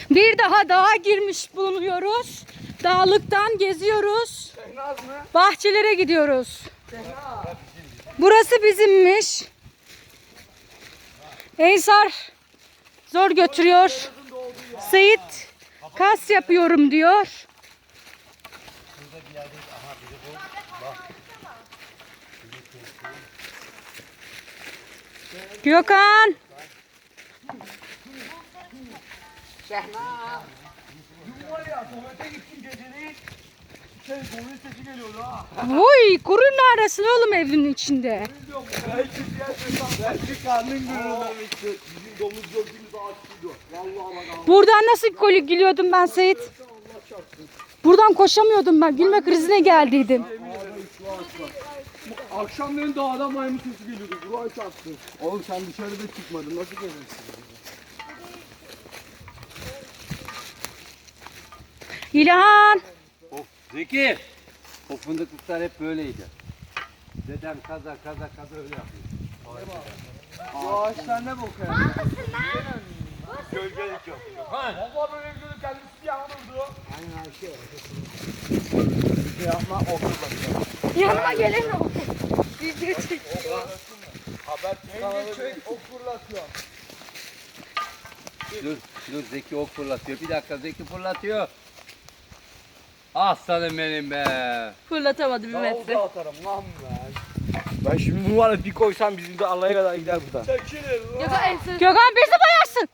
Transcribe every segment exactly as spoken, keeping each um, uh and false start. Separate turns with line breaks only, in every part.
Bir daha dağa girmiş bulunuyoruz. Dağlıktan geziyoruz. Bahçelere gidiyoruz. Burası bizimmiş. Ensar zor götürüyor. Seyit kas yapıyorum diyor. Gökhan. Oy, kurun arasın oğlum evin içinde.
Belki karnın gururlamıştı. Bizim domuz gördüğümüz ağaçlıydı. Vallahi bak.
Buradan nasıl kolik gülüyordum ben Seyit? Buradan koşamıyordum ben. Gülme krizine geldiydim.
Akşamleyin dağda maymun sesi geliyordu. Buraya çarptı. Oğlum sen dışarıda çıkmadın. Nasıl gelirsin?
İlhan.
Of Zeki. O fındıklıklar hep böyleydi. Dedem kaza kaza kaza öyle yapıyor.
Bu ağaçlar ne bok ya? Gölgelik yok. Baba böyle gölgelik kendisi yanıldı. Aynen şey. Bir şey yapma okur
Yanıma gelin o. Video çek.
Haber kanalı ok fırlatıyor.
Dur dur Zeki ok fırlatıyor. Bir dakika Zeki fırlatıyor. Aslanım benim be.
Fırlatamadı bir
Daha
metre.
uzağa atarım lan ben. Ben şimdi bunu var ya bir koysam bizim de Allah'a kadar gider buradan. Çekilir lan.
Gökhan en son.
Gökhan bizi bayarsın.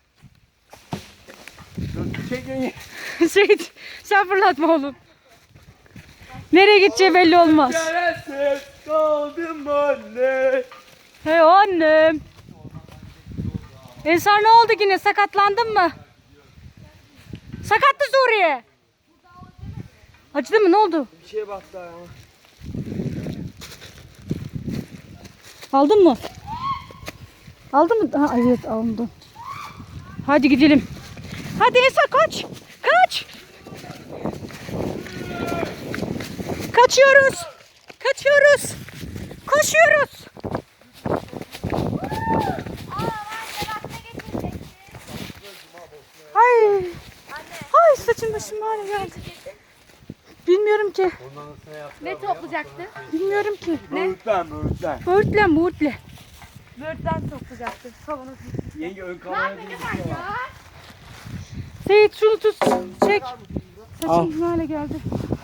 Çekin.
Seyit sen fırlatma oğlum. Nereye gideceği belli olmaz.
Çaresiz kaldım anne.
Hey annem. Ensar ne oldu yine? Sakatlandın mı? Sakattı Suriye. Acıdı mı? Ne oldu?
Bir şeye baktı ayağıma.
Aldın mı? Aldın mı? Ha, evet aldım. Hadi gidelim. Hadi Ensar kaç. Kaç. Kaçıyoruz. Kaçıyoruz. Koşuyoruz. Ay. Ay saçım başım hale geldi. Bilmiyorum ki.
Ne toplayacaktı?
Bilmiyorum ki.
Böğürtlen böğürtlen.
Böğürtlen böğürtle.
Böğürtlen toplayacaktı. Kavanoz.
Yenge ön kameraya bir şey var.
Seyit şunu tut. Çek. Saçım hale geldi.